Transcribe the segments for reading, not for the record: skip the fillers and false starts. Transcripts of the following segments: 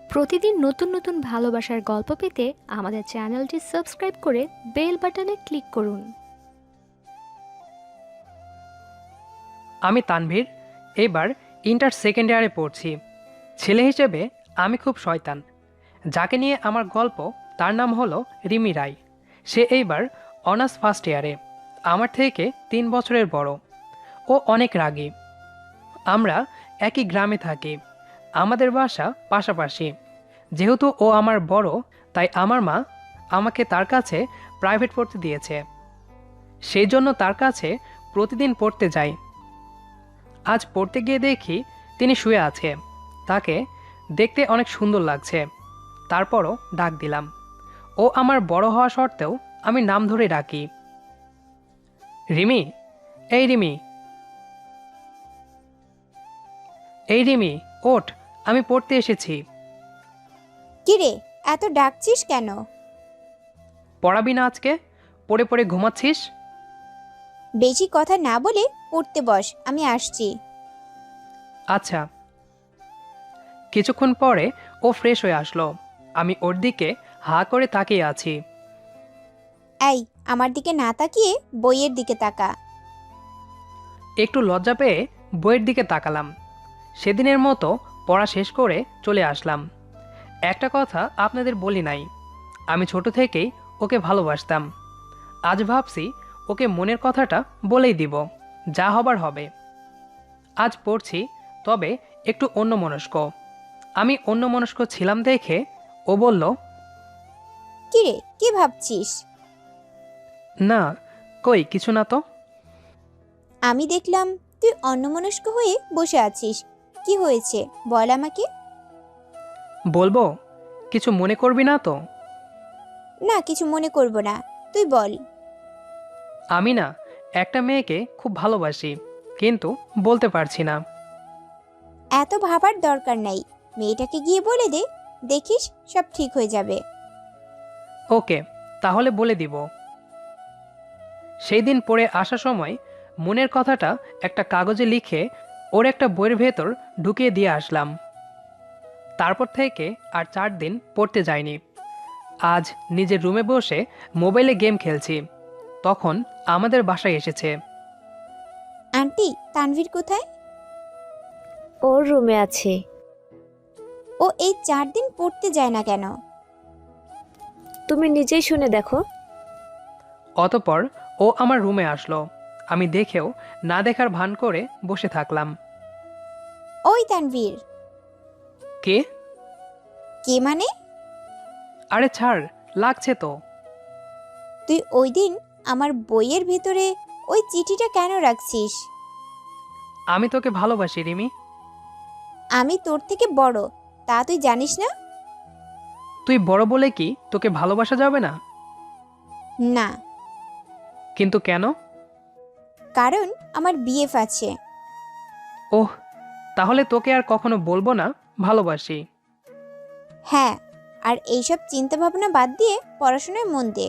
প্রতিদিন নতুন নতুন ভালোবাসার গল্প পেতে আমাদের চ্যানেলটি সাবস্ক্রাইব করে বেল বাটনে ক্লিক করুন। আমি তানভীর, এবার ইন্টার সেকেন্ড ইয়ারে পড়ছি। ছেলে হিসেবে আমি খুব শয়তান। যাকে নিয়ে আমার গল্প তার নাম হলো রিমি রায়। সে এইবার অনার্স ফার্স্ট ইয়ারে, আমার থেকে 3 বছরের বড়। ও অনেক রাগী। আমরা একই গ্রামে থাকি, আমাদের বাসা পাশাপাশি। যেহেতু ও আমার বড়, তাই আমার মা আমাকে তার কাছে প্রাইভেট পড়তে দিয়েছে। সেই জন্য তার কাছে প্রতিদিন পড়তে যাই। আজ পড়তে গিয়ে দেখি তিনি শুয়ে আছে। তাকে দেখতে অনেক সুন্দর লাগছে। তারপরও ডাক দিলাম। ও আমার বড় হওয়া সত্ত্বেও আমি নাম ধরে ডাকি, রিমি, এই রিমি, এই রিমি, ওঠ, আমি পড়তে এসেছি। কিরে, এত ডাকছিস কেন? পড়াবি না আজকে? পড়ে পড়ে ঘুমাচ্ছিস? বেশি কথা না বলে পড়তে বস, আমি আসছি। আচ্ছা। কিছুক্ষণ পরে ও ফ্রেশ হয়ে আসলো। আমি ওর দিকে হা করে তাকিয়ে আছি। এই, আমার দিকে না তাকিয়ে বইয়ের দিকে তাকা। একটু লজ্জা পেয়ে বইয়ের দিকে তাকালাম। সেদিনের মতো পড়া শেষ করে চলে আসলাম। একটা কথা আপনাদের বলি নাই, আমি ছোট থেকেই ওকে ভালোবাসতাম। আজ ভাবছি ওকে মনের কথাটা বলেই দিব, যা হবার হবে। আজ পড়ছি, তবে একটু অন্যমনস্ক। আমি অন্যমনস্ক ছিলাম দেখে ও বলল, কিরে, কি ভাবছিস? না, কই কিছু না তো। আমি দেখলাম তুই অন্যমনস্ক হয়ে বসে আছিস। কি হয়েছে বল আমাকে। বলবো? কিছু মনে করবি না তো? না, কিছু মনে করব না, তুই বল। আমি না একটা মেয়েকে খুব ভালোবাসি, কিন্তু বলতে পারছি না। এত ভাবার দরকার নাই, মেয়েটাকে গিয়ে বলে দে, দেখিস সব ঠিক হয়ে যাবে। ওকে, তাহলে বলে দিব। সেই দিন পড়ে আসার সময় মনের কথাটা একটা কাগজে লিখে ওর একটা বইয়ের ভেতর ঢুকিয়ে দিয়ে আসলাম। তারপর থেকে আর 4 দিন পড়তে যাইনি। আজ নিজের রুমে বসে মোবাইলে গেম খেলছি, তখন আমাদের বাসায় এসেছে। আন্টি, তানভীর কোথায়? ওর রুমে আছে। ও এই 4 দিন পড়তে যায় না কেন? তুমি নিজেই শুনে দেখো। অতপর ও আমার রুমে আসলো। আমি দেখেও না দেখার ভান করে বসে থাকলাম। ওই তানভীর। কে? কে মানে? আরে ছাড়, লাগছে তো। তুই ওই দিন আমার বইয়ের ভেতরে ওই চিঠিটা কেন রাখছিস? আমি তোকে ভালোবাসি রিমি। আমি তোর থেকে বড়, তা তুই জানিস না? তুই বড় বলে কি তোকে ভালোবাসা যাবে না? না, কিন্তু কেন? কারণ আমার বিএফ আছে। ওহ, তাহলে তোকে আর কখনো বলবো না ভালোবাসি। হ্যাঁ, আর এইসব চিন্তা ভাবনা বাদ দিয়ে পড়াশোনায় মন দে।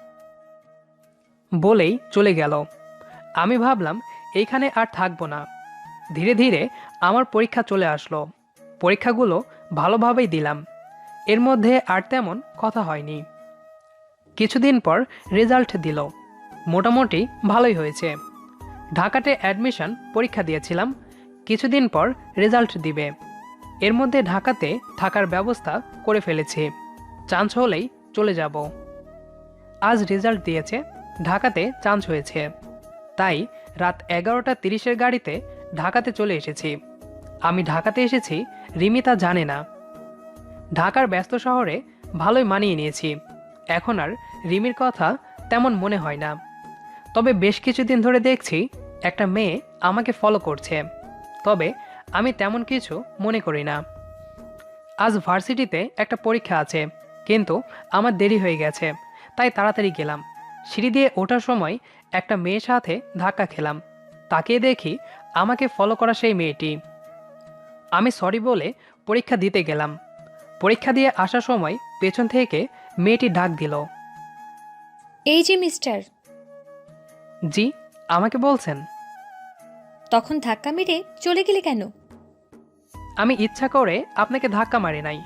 বলেই চলে গেল। আমি ভাবলাম এইখানে আর থাকবো না। ধীরে ধীরে আমার পরীক্ষা চলে আসলো। পরীক্ষাগুলো ভালোভাবেই দিলাম। এর মধ্যে আর তেমন কথা হয়নি। কিছুদিন পর রেজাল্ট দিল। মোটামুটি ভালোই হয়েছে। ঢাকাতে অ্যাডমিশন পরীক্ষা দিয়েছিলাম। কিছুদিন পর রেজাল্ট দিবে। এর মধ্যে ঢাকাতে থাকার ব্যবস্থা করে ফেলেছি। চান্স হলেই চলে যাব। আজ রেজাল্ট দিয়েছে, ঢাকাতে চান্স হয়েছে। তাই রাত 11টা 30-এর গাড়িতে ঢাকাতে চলে এসেছি। আমি ঢাকাতে এসেছি, রিমি তা জানে না। ঢাকার ব্যস্ত শহরে ভালোই মানিয়ে নিয়েছি। এখন আর রিমির কথা তেমন মনে হয় না। তবে বেশ কিছুদিন ধরে দেখছি একটা মেয়ে আমাকে ফলো করছে। তবে আমি তেমন কিছু মনে করি না। আজ ভার্সিটিতে একটা পরীক্ষা আছে, কিন্তু আমার দেরি হয়ে গেছে, তাই তাড়াতাড়ি গেলাম। সিঁড়ি দিয়ে ওঠার সময় একটা মেয়ের সাথে ধাক্কা খেলাম। তাকিয়ে দেখি আমাকে ফলো করা সেই মেয়েটি। আমি সরি বলে পরীক্ষা দিতে গেলাম। পরীক্ষা দিয়ে আসার সময় পেছন থেকে মেয়েটি ডাক দিল। এই যে মিস্টার, জি, আমাকে বলছেন? তখন ধাক্কা মেরে চলে গেলে কেন? আমি ইচ্ছা করে আপনাকে ধাক্কা মারি নাই।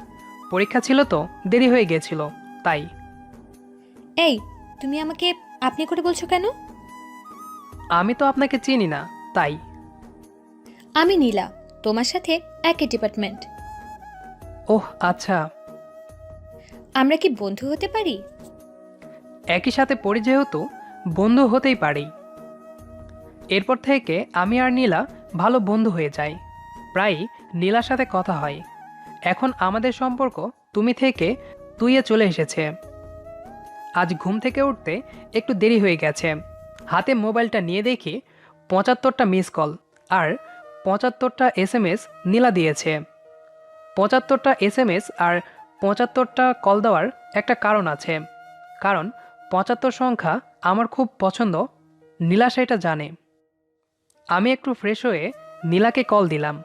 পরীক্ষা ছিল তো, দেরি হয়ে গেছিল তাই। এই, তুমি আমাকে আপনি করে বলছো কেন? আমি তো আপনাকে চিনি না তাই। আমি নীলা, তোমার সাথে একই ডিপার্টমেন্ট। ওহ আচ্ছা। আমরা কি বন্ধু হতে পারি? একই সাথে পড়ি যেহেতু বন্ধু হতেই পারি। এরপর থেকে আমি আর নীলা ভালো বন্ধু হয়ে যাই। প্রায়ই নীলার সাথে কথা হয়। এখন আমাদের সম্পর্ক তুমি থেকে তুইয়ে চলে এসেছে। আজ ঘুম থেকে উঠতে একটু দেরি হয়ে গেছে। হাতে মোবাইলটা নিয়ে দেখি ৭৫টা মিস কল আর ৭৫টা SMS নীলা দিয়েছে। ৭৫টা SMS আর ৭৫টা কল দেওয়ার একটা কারণ আছে, কারণ ৭৫ সংখ্যা আমার খুব পছন্দ। নীলা সেটা জানে। আমি একটু ফ্রেশ হয়ে নীলাকে কল দিলাম।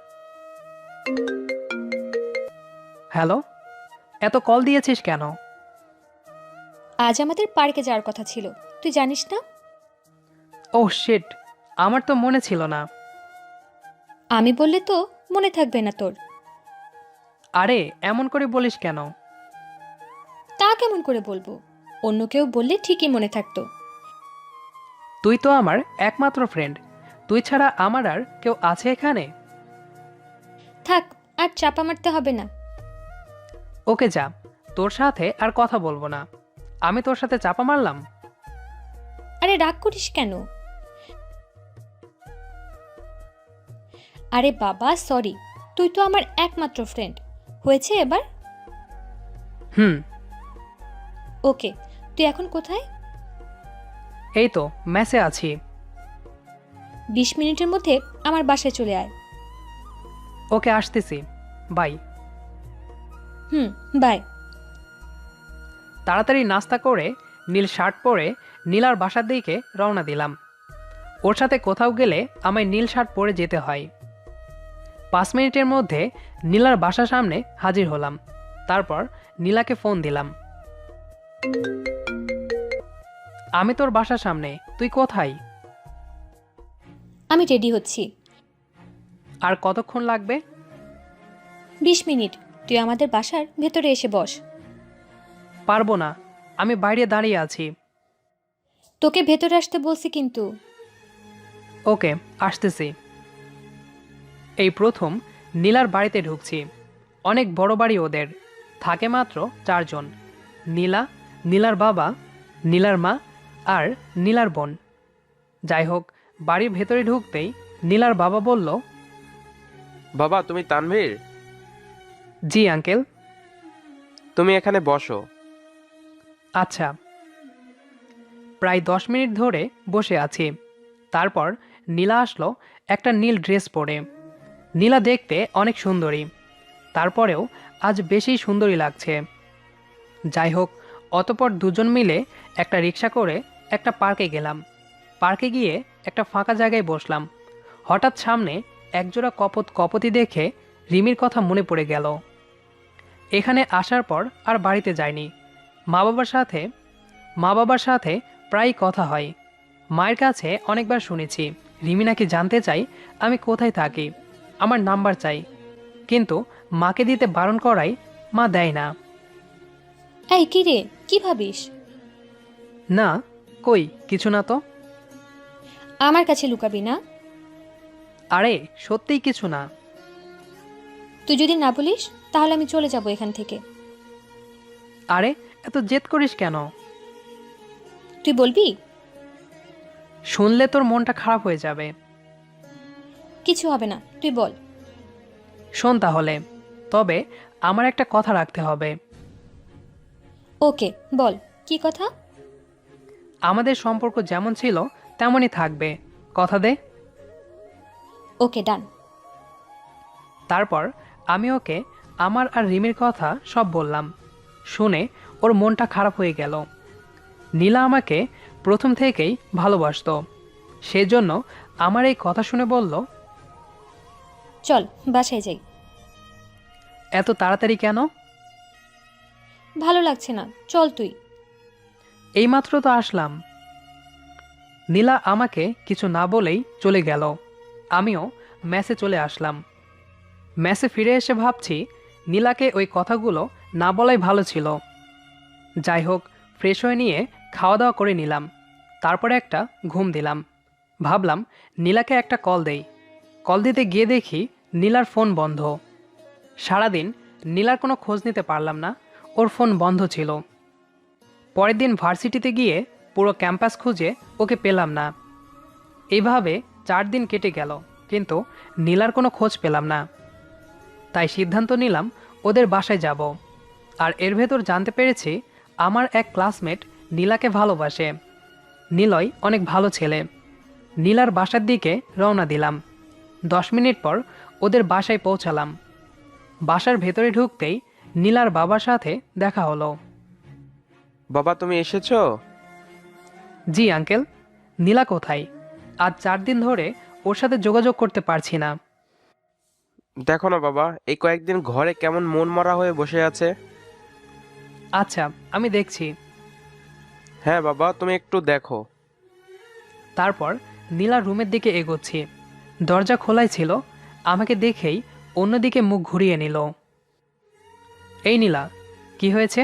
হ্যালো, এত কল দিয়েছিস কেন? আজ আমাদের পার্কে যাওয়ার কথা ছিল, তুই জানিস না? ওহ শিট, আমার তো মনে ছিল না। আমি বললে তো মনে থাকবে না তোর। আরে এমন করে বলিস কেন? তা কেমন করে বলবো? অন্য কেউ বললে ঠিকই মনে থাকতো। তুই তো আমার একমাত্র ফ্রেন্ড। তুই ছাড়া আমার আর কেউ আছে এখানে? থাক, আর চাপা মারতে হবে না। ওকে যা, তোর সাথে আর কথা বলবো না। আমি তোর সাথে চাপা মারলাম? আরে রাগ করিস কেন? আরে বাবা সরি, তুই তো আমার একমাত্র ফ্রেন্ড। হয়েছে এবার? হুম। ওকে, তুই এখন কোথায়? এই তো মেসে আছি। 20 মিনিটের মধ্যে আমার বাসায় চলে আয়। ওকে আসতেছি, বাই। Hmm, by. তাড়াতাড়ি নাস্তা করে নীল শার্ট পরে নীলার বাসার দিকে রওনা দিলাম। ওর সাথে কোথাও গেলে আমায় নীল শার্ট পরে যেতে হয়। 5 মিনিটের মধ্যে নীলার বাসার সামনে হাজির হলাম। তারপর নীলাকে ফোন দিলাম। আমি তোর বাসার সামনে, তুই কোথায়? আমি রেডি হচ্ছি। আর কতক্ষণ লাগবে? 20 মিনিট। তুই আমাদের বাসার ভেতরে এসে বস। পারবো না, আমি বাইরে দাঁড়িয়ে আছি। তোকে ভেতরে আসতে বলছি কিন্তু। ওকে, আসতেছি। এই প্রথম নীলার বাড়িতে ঢুকছি। অনেক বড় বাড়ি ওদের, থাকে মাত্র 4 জন। নীলা, নীলার বাবা, নীলার মা আর নীলার বোন। যাই হোক, বাড়ির ভেতরে ঢুকতেই নীলার বাবা বলল, বাবা তুমি তানভীর? জি আঙ্কেল। তুমি এখানে বসো। আচ্ছা। প্রায় 10 মিনিট ধরে বসে আছি। তারপর নীলা আসলো একটা নীল ড্রেস পরে। নীলা দেখতে অনেক সুন্দরী, তারপরেও আজ বেশি সুন্দরী লাগছে। যাই হোক, অতপর দুজন মিলে একটা রিক্সা করে একটা পার্কে গেলাম। পার্কে গিয়ে একটা ফাঁকা জায়গায় বসলাম। হঠাৎ সামনে একজোড়া কপতি দেখে রিমির কথা মনে পড়ে গেল। এখানে আসার পর আর বাড়িতে যাইনি। মা বাবার সাথে প্রায়ই কথা হয়। মায়ের কাছে অনেকবার শুনেছি রিমি নাকি জানতে চাই আমি কোথায় থাকি, আমার নাম্বার চাই, কিন্তু মাকে দিতে বারণ করাই মা দেয় না। এই কি রে, কি ভাবিস? না, কই কিছু না তো। আমার কাছে লুকাবি না। আরে সত্যিই কিছু না। তুই যদি না বলিস তাহলে আমি চলে যাব এখান থেকে। আরে এত জেদ করিস কেন? তুই বলবি? শুনলে তোর মনটা খারাপ হয়ে যাবে। কিছু হবে না, তুই বল। শোন তাহলে, তবে আমার একটা কথা রাখতে হবে। ওকে বল, কি কথা? আমাদের সম্পর্ক যেমন ছিল তেমনই থাকবে, কথা দে। ওকে ডান। তারপর আমি ওকে আমার আর রিমির কথা সব বললাম। শুনে ওর মনটা খারাপ হয়ে গেল। নীলা আমাকে প্রথম থেকেই ভালোবাসতো, সেজন্য আমার এই কথা শুনে বলল, চল বাসায় যাই। এত তাড়াতাড়ি কেন? ভালো লাগছে না, চল তুই। এইমাত্র তো আসলাম। নীলা আমাকে কিছু না বলেই চলে গেল। আমিও মেসে চলে আসলাম। মেসে ফিরে এসে ভাবছি নীলাকে ওই কথাগুলো না বলাই ভালো ছিল। যাই হোক, ফ্রেশ হয়ে নিয়ে খাওয়া দাওয়া করে নিলাম। তারপরে একটা ঘুম দিলাম। ভাবলাম নীলাকে একটা কল দেই। কল দিতে গিয়ে দেখি নীলার ফোন বন্ধ। সারাদিন নীলার কোনো খোঁজ নিতে পারলাম না, ওর ফোন বন্ধ ছিল। পরের দিন ভার্সিটিতে গিয়ে পুরো ক্যাম্পাস খুঁজে ওকে পেলাম না। এইভাবে 4 দিন কেটে গেল, কিন্তু নীলার কোনো খোঁজ পেলাম না। তাই সিদ্ধান্ত নিলাম ওদের বাসায় যাব। আর এর ভেতর জানতে পেরেছি আমার এক ক্লাসমেট নীলাকে ভালোবাসে। নিলয় অনেক ভালো ছেলে। নীলার বাসার দিকে রওনা দিলাম। 10 মিনিট পর ওদের বাসায় পৌঁছালাম। বাসার ভেতরে ঢুকতেই নীলার বাবার সাথে দেখা হলো। বাবা তুমি এসেছো? জি আঙ্কেল। নীলা কোথায়? আজ 4 দিন ধরে ওর সাথে যোগাযোগ করতে পারছি না। দেখো না বাবা, এই কয়েকদিন ঘরে কেমন মন মরা হয়ে বসে আছে। আচ্ছা, আমি দেখছি। হ্যাঁ বাবা, তুমি একটু দেখো। তারপর নীলার রুমের দিকে এগোচ্ছি। দরজা খোলাই ছিল। আমাকে দেখেই অন্যদিকে মুখ ঘুরিয়ে নিল। এই নীলা, কি হয়েছে?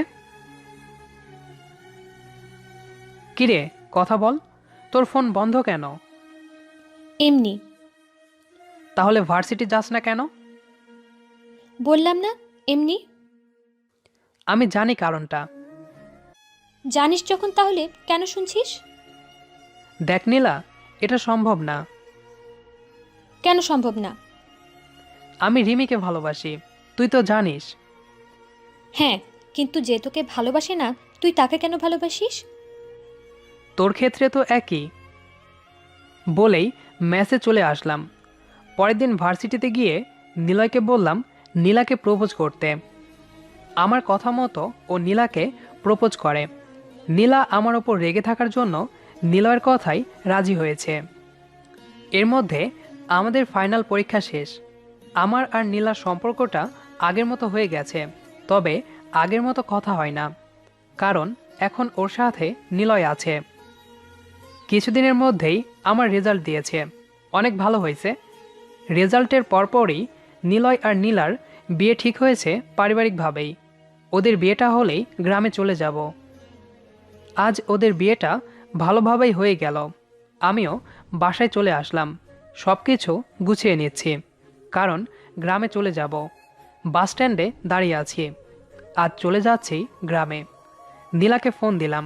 কিরে, কথা বল। তোর ফোন বন্ধ কেন? এমনি। তাহলে ভার্সিটি যাস না কেন? বললাম না, এমনি। আমি জানি কারণটা। জানিস যখন তাহলে কেন শুনছিস? দেখ নীলা, এটা সম্ভব না। কেন সম্ভব না? আমি রিমিকে ভালোবাসি, তুই তো জানিস। হ্যাঁ, কিন্তু যে তোকে ভালোবাসে না, তুই তাকে কেন ভালোবাসিস? তোর ক্ষেত্রে তো একই। বলেই ম্যাসে চলে আসলাম। পরের দিন ভার্সিটিতে গিয়ে নিলয়কে বললাম নীলাকে প্রপোজ করতে। আমার কথা মতো ও নীলাকে প্রপোজ করে। নীলা আমার ওপর রেগে থাকার জন্য নিলয়ের কথাই রাজি হয়েছে। এর মধ্যে আমাদের ফাইনাল পরীক্ষা শেষ। আমার আর নীলার সম্পর্কটা আগের মতো হয়ে গেছে, তবে আগের মতো কথা হয় না, কারণ এখন ওর সাথে নিলয় আছে। কিছুদিনের মধ্যেই আমার রেজাল্ট দিয়েছে, অনেক ভালো হয়েছে। রেজাল্টের পরপরই নিলয় আর নীলার বিয়ে ঠিক হয়েছে পারিবারিকভাবেই। ওদের বিয়েটা হলেই গ্রামে চলে যাব। আজ ওদের বিয়েটা ভালোভাবেই হয়ে গেল। আমিও বাসায় চলে আসলাম। সব কিছু গুছিয়ে নিচ্ছি, কারণ গ্রামে চলে যাব। বাস স্ট্যান্ডে দাঁড়িয়ে আছি। আজ চলে যাচ্ছি গ্রামে। নীলাকে ফোন দিলাম।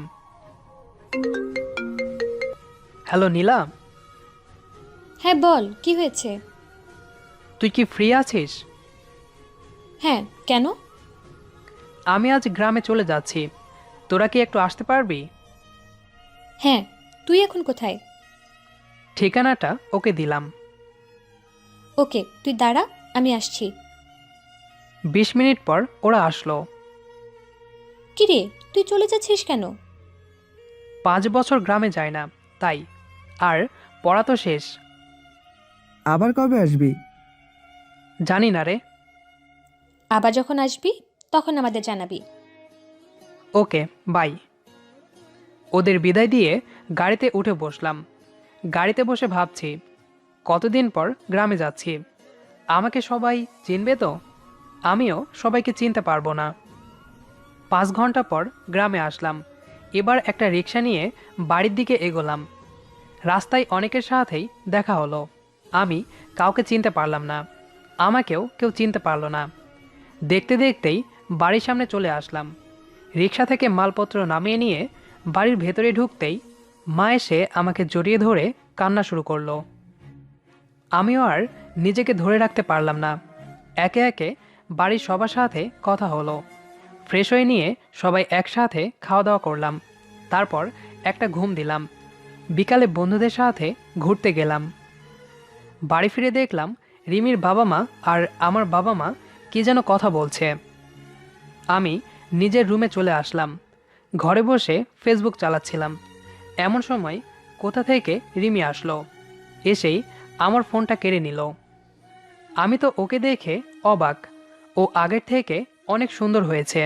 হ্যালো নীলা। হ্যাঁ বল, কি হয়েছে? তুই কি ফ্রি আছিস? হ্যাঁ, কেন? আমি আজ গ্রামে চলে যাচ্ছি, তোরা কি একটু আসতে পারবি? হ্যাঁ, তুই এখন কোথায়? ঠিকানাটা ওকে দিলাম। ওকে, তুই দাঁড়া, আমি আসছি। 20 মিনিট পর ওরা আসলো। কিরে, তুই চলে যাচ্ছিস কেন? 5 বছর গ্রামে যায় না, তাই। আর পড়া তো শেষ। আবার কবে আসবি? জানি না রে। আবার যখন আসবি তখন আমাদের জানাবি। Okay, bye. ওদের বিদায় দিয়ে গাড়িতে উঠে বসলাম। গাড়িতে বসে ভাবছি কতদিন পর গ্রামে যাচ্ছি। আমাকে সবাই চিনবে তো? আমিও সবাইকে চিনতে পারবো না। 5 ঘন্টা পর গ্রামে আসলাম। এবার একটা রিক্সা নিয়ে বাড়ির দিকে এগোলাম। রাস্তায় অনেকের সাথেই দেখা হলো। আমি কাউকে চিনতে পারলাম না, আমাকেও কেউ চিনতে পারলো না। দেখতে দেখতেই বাড়ির সামনে চলে আসলাম। রিক্সা থেকে মালপত্র নামিয়ে নিয়ে বাড়ির ভেতরে ঢুকতেই মা এসে আমাকে জড়িয়ে ধরে কান্না শুরু করলো। আমিও আর নিজেকে ধরে রাখতে পারলাম না। একে একে বাড়ির সবার সাথে কথা হলো। ফ্রেশ হয়ে নিয়ে সবাই একসাথে খাওয়া দাওয়া করলাম। তারপর একটা ঘুম দিলাম। বিকালে বন্ধুদের সাথে ঘুরতে গেলাম। বাড়ি ফিরে দেখলাম রিমির বাবা মা আর আমার বাবা মা কি যেন কথা বলছে। আমি নিজের রুমে চলে আসলাম। ঘরে বসে ফেসবুক চালাচ্ছিলাম। এমন সময় কোথা থেকে রিমি আসলো। এসেই আমার ফোনটা কেড়ে নিল। আমি তো ওকে দেখে অবাক। ও আগের থেকে অনেক সুন্দর হয়েছে।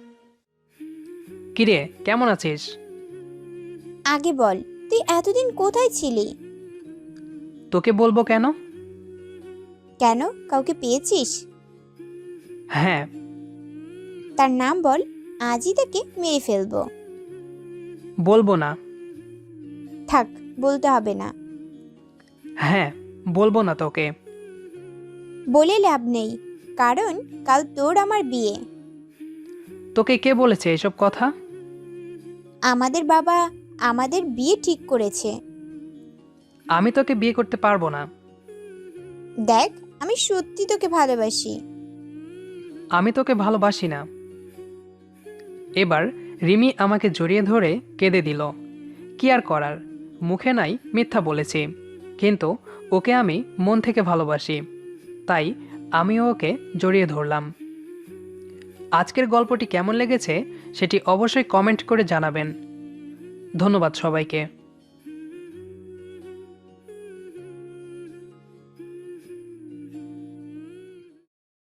কিরে, কেমন আছিস? আগে বল, তুই এতদিন কোথায় ছিলি? তোকে বলবো কেন? কেন, কাউকে পেয়েছিস? হ্যাঁ। তার নাম বল, আজই তাকে মেরে ফেলবো। বলবো না। থাক, বলতে হবে না। হ্যাঁ, বলবো না তোকে। বলে লাভ নেই, কারণ কাল তোর আমার বিয়ে। তোকে কে বলেছে এসব কথা? আমাদের বাবা আমাদের বিয়ে ঠিক করেছে। আমি তোকে বিয়ে করতে পারবো না। দেখ, আমি সত্যি তোকে ভালোবাসি। আমি তোকে ভালোবাসি না। এবার রিমি আমাকে জড়িয়ে ধরে কেঁদে দিল। কি আর করার, মুখে নাই মিথ্যা বলেছি, কিন্তু ওকে আমি মন থেকে ভালোবাসি, তাই আমিও ওকে জড়িয়ে ধরলাম। আজকের গল্পটি কেমন লেগেছে সেটি অবশ্যই কমেন্ট করে জানাবেন। ধন্যবাদ সবাইকে।